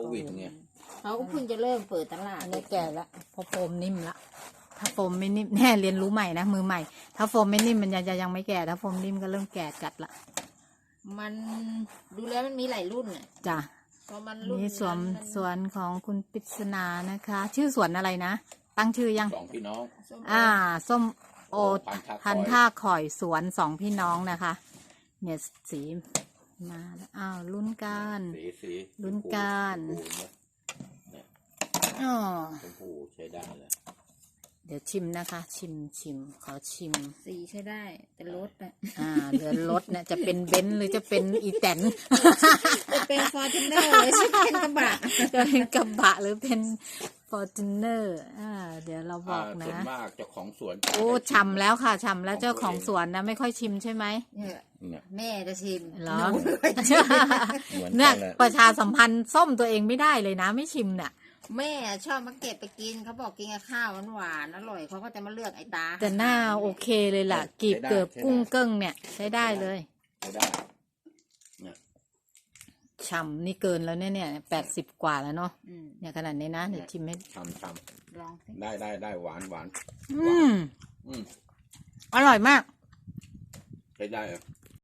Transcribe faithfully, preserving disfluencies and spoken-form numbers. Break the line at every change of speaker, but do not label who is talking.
วิดไง
เขาก็เพิ่งจะเริ่มเปิดตลาด
อันนี้แก่ละเพราะโฟมนิ่มละถ้าโฟมไม่นิ่มแน่เรียนรู้ใหม่นะมือใหม่ถ้าโฟมไม่นิ่มมันยังจะยังไม่แก่ถ้าโฟมนิ่มก็เริ่มแก่จัดละ
มันดูแล้วมันมีหลายรุ่นอ่ะ
จ้ะ
พอมันรุ่น
นี่สวน
นั้น
สวนของคุณปริศนานะคะ ชื่อสวนอะไรนะตั้งชื่อยัง
สองพี่น้อง
ส้ม
อ่าส้มโอ
พั
พัน
นธุ์
ท่า
ท่า
ข่อยสวนสองพี่น้องนะคะ เนี่ยสีมาแล้วอ้าวลุ้นกัน
สีสี
ลุ้นกัน
ชมพูเนี่ย
อ๋อ
ชมพูใช้ได้เลย
เดี๋ยวชิมนะคะ ชิมชิมขอชิม
สีใช้ได้แต่รถอ่ะ
อ่าเรือรถเนี่ยจะเป็นเบนซ์หรือจะเป็นอีแตน
จะเป็นฟอร์จูเนอร์เลยใช่เป็นกระบะ
จะเป็นกระบะหรือเป็นฟอร์จูเนอร์อ่าเดี๋ยวเราบอก
า
นะ
ส่วนมากเจ้าของสวน
โอ้ฉ่ำแล้วค่ะฉ่ำแล้วเจ้าของสวนนะไม่ค่อยชิมใช่ไหม
เนี่ย
เนี่ย
แม่จะชิม
เหรอ
นู
เหมือน
เนี่
กั
ย
นเลย
ประชาสัมพันธ์ส้มตัวเองไม่ได้เลยนะ ไม่ชิมเนี่ย
แม่ชอบมาเก็บไปกินเขาบอกกินกับข้าวหวานๆอร่อยเขาก็จะมาเลือกไอ้ตา
แต่หน้าโอเคเลยล่ะกีบเกือบกุ้งเกิ้งเนี่ยใช้ได้เลย
ใช้ได้เนี่ย
ฉ่ำนี่เกินแล้วเนี่ยเนี่ยแปดสิบกว่าแล้วเนาะ
อืม
เนี่ยขนาดนี้นะเดี๋ยวชิมให้
ทำท
ลองสิ
ำได้ได้ได้หวานหวาน
อืม
อืม
อร่อยมาก
ใช้ได้อะ